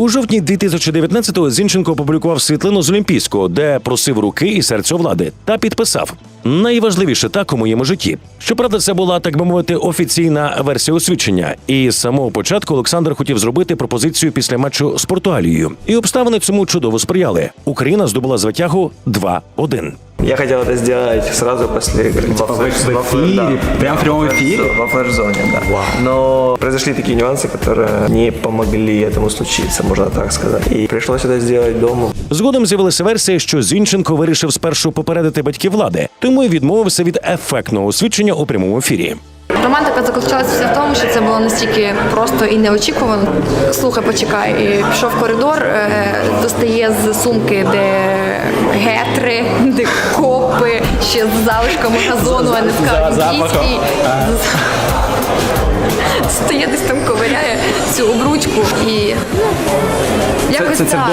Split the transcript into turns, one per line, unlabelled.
У жовтні 2019-го Зінченко опублікував світлину з Олімпійського, де просив руки і серця влади, та підписав: найважливіше так у моєму житті. Щоправда, це була, так би мовити, офіційна версія освідчення. І з самого початку Олександр хотів зробити пропозицію після матчу з Португалією. І обставини цьому чудово сприяли. Україна здобула звитягу 2-1.
Я хотел это сделать сразу после игры.
Прям в прямом эфире?
Во флеш-зоне, да. Но произошли такие нюансы, которые не помогли этому случиться, можно так сказать. И пришлось это сделать дома.
Згодом з'явилася версія, що Зінченко вирішив спершу попередити батьків влади, тому й відмовився від ефектного освідчення у прямому ефірі.
Романтика заключалася в тому, що це було настільки просто і неочікувано. Слухай, почекай, і пішов в коридор, достає з сумки, де гетри, де копи, ще з залишками газону, а не скажуть, стає десь там, ковиряє цю обручку і якось
Це
так.